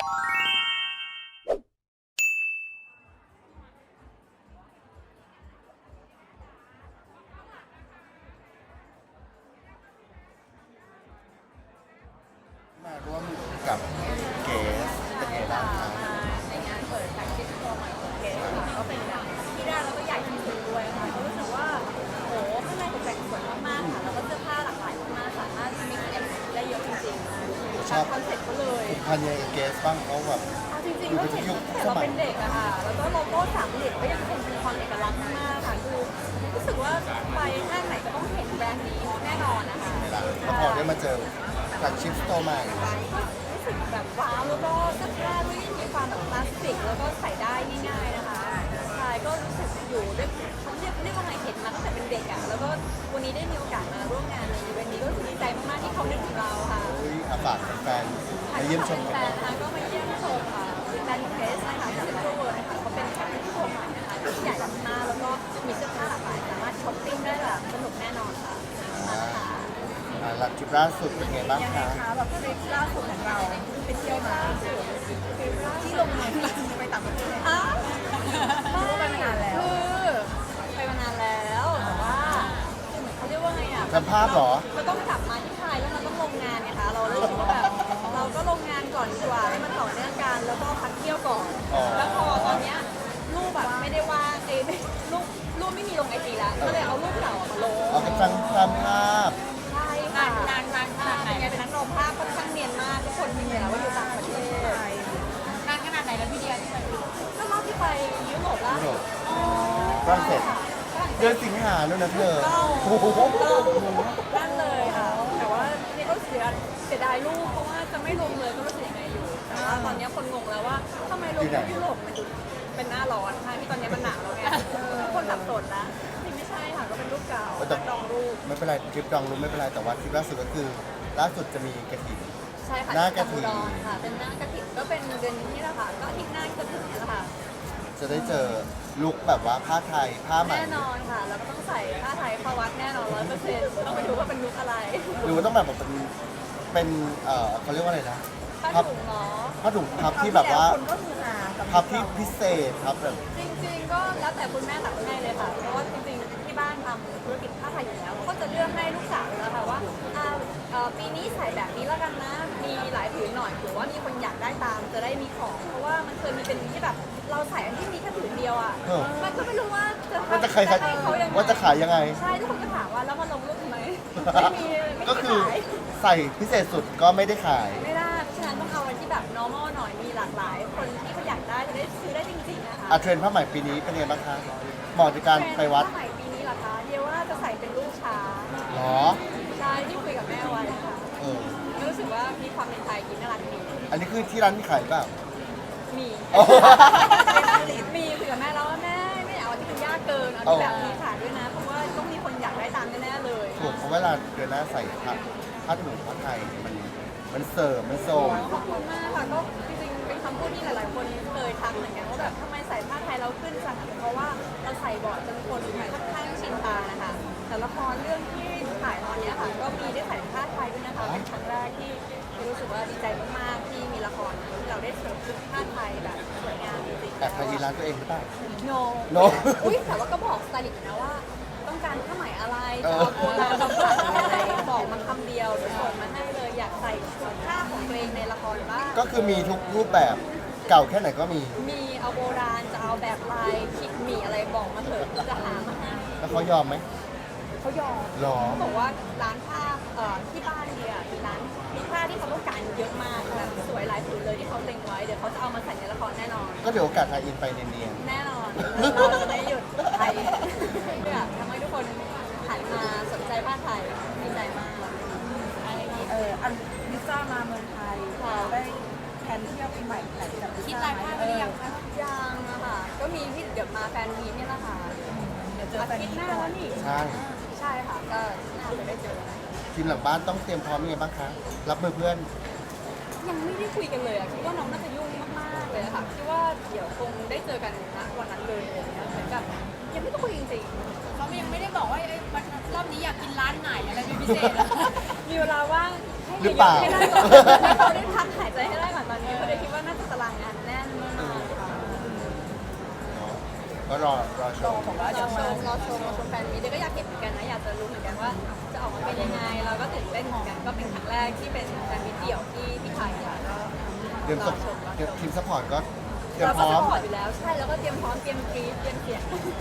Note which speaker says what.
Speaker 1: มาร่วมกับเกสเป็นไงบ้างครับ
Speaker 2: ในงานเปิดแฟชั่นโชว์ใหม่ของเกสค่ะก็เป็นแบบที่แรกแล้วก็ใหญ่ที่สุดด้วยค่ะก็รู้สึกว่าโอ้ข้างในตกแต่งสวยมากๆค่ะแล้วก็เสื้อผ้าหลากหลายมากๆสามารถมิกซ์แอนด์ได้เยอะจริงๆตามคอนเซ็ปต์เขาเลย
Speaker 1: พันยังเกสบ้างเขาแบบ
Speaker 2: จริงๆก็เห็นตั้งแต่เราเป็นเด็กอะค่ะแล้วก็โลโก้สามเหลี่ยมก็ยังคงเป็นความเอกลักษณ์มากๆค่ะคือรู้สึกว่าไปห้างไหนก็ต้องเห็นแบรนด์นี้แน่นอนนะคะ
Speaker 1: เวลาแล้วพอได้มาเจอแฟลกชิพสโตร์ใหม่
Speaker 2: รู้สึกแบบว้าวแล้วก็เสื้อผ้าด้วยมีความแบบคลาสสิกแล้วก็ใส่ได้ง่ายๆนะคะใช่ก็รู้สึกอยู่ด้วยเขาเรียกว่าไงเห็นมาตั้งแต่เป็นเด็กอ่ะแล้วก็วันนี้ได้มีโอกาสมาร่วมงานในอีเวนต์นี้ก็รู้สึกดีใจมากๆที่เขานึกถึงเราค่ะ
Speaker 1: อาฝากแฟนมาเยี่ยมชมกัน
Speaker 2: นะคะก็มาเยี่ยมชมค่ะแบรนด์เพสนะคะเซ็นทรัลเวิลด์นะคะเขาเป็นแฟชั่นโชว์ใหม่นะคะที่ใหญ่มากแล้วก็มีเสื้อผ้าหลากหลายสามารถช้อปปิ้งได้แบบสนุกแน่นอนค่ะ
Speaker 1: หลักทริปล่าสุดเป็นไงบ้างคะ
Speaker 2: แบบทริปล่าสุดของเราไปเที่ยวมาที่โรงแรมไปต่างประเทศไม่ไปมานานแล้วคือไปมานานแล้วแต่ว่าเขาเรียกว่าไงอ่ะ
Speaker 1: จำภาพเหรอ
Speaker 2: เราต้องกลับมาที่ไทยแล้วมันต้องลงงานไงคะเราเลยคิดว่าแบบเราก็ลงงานก่อนดีกว่าให้มันต่อเนื่องกันแล้วก็พักเที่ยวก่อนแล้วพอตอนเนี้ยรูปแบบไม่ได้ว่างรูปไม่มีลงไอจีแล้วก็เลยเอารูปเก่ามาลง
Speaker 1: เอาไปจำภาพ
Speaker 2: ใช่ค่ะนานเป็นไงเป็นนักร้องภาพค่อนข้างเนียนมากทุกคนมีเห็นแล้วว่าอยู่ต่างประเทศนานขนาดไหนแล้วพี่เดียที่ไปก็รอบที่ไปยุโรปล่าสุด
Speaker 1: ฝรั่งเศสเดือนสิงหาแล้วนะเธอ
Speaker 2: นั่นเลยค่ะแต่ว่านี่ก็เสียดายรูปเพราะว่าจะไม่ลงเลยก็รู้สึกยังไงอยู่แต่ว่าตอนนี้คนงงแล้วว่าทำไมลงที่ยุโรปมันดูเป็นหน้าร้อนค่ะที่ตอนนี้มันหนาวแล้วไงทุกคนสับสนแล้วไม่ใช่ค่ะก็เป็นรูปเก่าดองรูป
Speaker 1: ไม่เป็นไรคลิปดองรูปไม่เป็นไรแต่ว่าคลิปล่าสุดก็คือล่าสุดจะมีกระถิ่น
Speaker 2: ใช่ค่ะ
Speaker 1: หน้ากระถิ่น
Speaker 2: ค่ะเป็นหน้ากระถิ่นก็เป็นเดือนนี้แหละค่ะก็อาทิตย์หน้าจะถึงนี่แหละค่ะ
Speaker 1: จะได้เจอลุคแบบว่าผ้าไทยผ้าไหม
Speaker 2: แน่นอนค่ะแล้วก็ต้องใส่ผ้าไทยเข้าวัดแน่นอน100%ต้องไปดูว่าเป็นลุคอะไร
Speaker 1: หรือว่าต้องแบบเป็นเขาเรียกว่าอะไรนะ
Speaker 2: ผ้าถุงเนาะ
Speaker 1: ผ้าถุงพับที่แบบว่าพับที่พิเศษครับแบบ
Speaker 2: จริงๆก็แล้วแต่คุณแม่ตัดให้เลยค่ะเพราะว่าจริงๆที่บ้านทำธุรกิจผ้าไทยอยู่แล้วก็จะเลือกให้ลูกสาวแล้วค่ะว่าปีนี้ใส่แบบนี้แล้วกันนะมีหลายผืนหน่อยถือว่ามีคนอยากได้ตามจะได้มีของเพราะว่ามันเคยมีเป็นที่แบบเราใส่อันที่มีแค่ผืนเดียวอ่ะมันก็ไม่รู้ว่า
Speaker 1: จะขายว่าจะขายยังไง
Speaker 2: ใช่ทุกคนก็ถามว่าแล้วมันลงรูปทำไมไม่มี
Speaker 1: ก็คือใส่พิเศษสุดก็ไม่ได้ขาย
Speaker 2: ไม่ได้ฉะนั้นต้องเอาอันที่แบบ normal หน่อยมีหลากหลายคนที่เขาอยากได้จะได้ซื้อได้จริงๆนะคะ
Speaker 1: เทรนด์ผ้าไหมปีนี้เป็นไงบ้างคะเหมาะในการไปวัด
Speaker 2: ผ้าไหมปีนี้เหรอคะเดียวว่าจะใส่เป็นลูกช้าง
Speaker 1: หรอ
Speaker 2: ใช่ที่คุยกับแม่ไว้นะคะรู้สึกว่ามีความเป็นไทยกินน่ารักดี
Speaker 1: อันนี้คือที่ร้านมีขายเปล่า
Speaker 2: มีคุยกับแม่แล้วว่าแม่ไม่เอาที่มันยากเกินเอาที่แบบมีขายด้วยนะเพราะว่าต้องมีคนอยากได้ตามแน่ๆเลย
Speaker 1: ถูกเพราะเวลาเดือนหน้าใส่ผ้าถุงผ้าไทยมันเสริมมันโซม
Speaker 2: ขอบคุณมากค่ะก็จริงๆเป็นคำพูดที่หลายๆคนเคยทักเหมือนกันว่าแบบทำไมใส่ผ้าไทยเราขึ้นจังเพราะว่าเราใส่บ่อยจนคนค่อนข้างชินตานะคะแต่ละครเรื่องที่ถ่ายตอนนี้ค่ะก็มีได้ใส่ผ้าไทยด้วยนะคะเป็นครั้งแรกที่รู้สึกว่าดีใจมากๆที่มีละครที่เราได้สวมชุดผ้าไทยแบบสวยงามจริงๆ
Speaker 1: แต่ไทยร้านตัวเองหรือเปล่า
Speaker 2: โนอุ้ยแต่ว่าก็บอกสไตลิสต์นะว่าต้องการผ้าไหมอะไรจะเอาโบราณบำบัดอะไรบอกมาคำเดียวเดี๋ยวส่งมาให้เลยอยากใส่ชุดผ้าของตัวเองในละครบ้าง
Speaker 1: ก็คือมีทุกรูปแบบเก่าแค่ไหนก็มี
Speaker 2: เอาโบราณจะเอาแบบลายขิดหมี่อะไรบอกมาเถอะจะหามาให้
Speaker 1: แล้วเขายอมไหม
Speaker 2: เขายอม
Speaker 1: หรอ
Speaker 2: เขาบอกว่าร้านผ้าที่บ้านเนี่ยมีผ้าที่เขาต้องการเยอะมากแบบสวยหลายผืนเลยที่เขาเล็งไว้เดี๋ยวเขาจะเอามาใส่ในละครแน่นอน
Speaker 1: ก็เดี๋ยวโอกาสไทยอินไปเนียน
Speaker 2: แน่นอนเราจะไม่หยุดไทยเพื่อทำให้ทุกคนหันมาสนใจผ้าไทยดีใจมาก
Speaker 3: อันลิซ่ามาเมืองไทยได้แผนเที่ยวปีใหม่ไหนแบบ
Speaker 2: คิดรายภาพหรือยังคะยังอะค่ะก็มีที่เดี๋ยวมาแฟนมีนี่แหละค่ะ
Speaker 3: เดี๋ยวเจอแฟนมี
Speaker 2: หน้าแล้วนี่ใช่ค่ะก็น่าจะได้เจอ
Speaker 1: ทีมหลังบ้านต้องเตรียมพร้อมยังไงบ้างคะรับมือเพื่อน
Speaker 2: ยังไม่ได้คุยกันเลยอะคิดว่าน้องน่าจะยุ่งมากๆเลยค่ะคิดว่าเดี๋ยวคงได้เจอกันณวันนั้นเลยอะไรเงี้ยเหมือนกับยังไม่ได้คุยจริงๆ
Speaker 3: เขายังไม่ได้บอกว่ารอบนี้อยากกินร้านไหนอะไรเป็นพิเศษ
Speaker 2: มีเวลาว่าง
Speaker 1: หรือเปล่า
Speaker 2: ให้ได้ก่อนให้เขาได้พักหายใจให้ได้ก่อนตอนนี้เพราะเดี๋ยวคิดว่าน่าจะ
Speaker 1: ก็รอชม
Speaker 3: บอกว่า
Speaker 2: ร
Speaker 3: จะ
Speaker 2: อช
Speaker 3: มาม
Speaker 2: รอชมแฟนมีเดียก็อยากเห็นเหมือนกันนะอยากจะรู้เหมือนกันว่าจะออกมาเป็นยังไงเราก็ตื่นเต้นเหมือนกันก็เป็นครั้งแรกที่เป็นแฟนมีเดี่ยวที่ไทยค่ะก็
Speaker 1: เตรียม
Speaker 2: ร
Speaker 1: ส
Speaker 2: อ
Speaker 1: ป
Speaker 2: ชม
Speaker 1: ทีมซัพพอร์ตก็เตรียม
Speaker 2: เรา
Speaker 1: พ
Speaker 2: ก็
Speaker 1: ร้อ
Speaker 2: ส
Speaker 1: ม
Speaker 2: ปอร์ตอยู่แล้วใช่แล้วก็เตรียมพร้อมเตรียมกรี๊ดเตรียมเสียง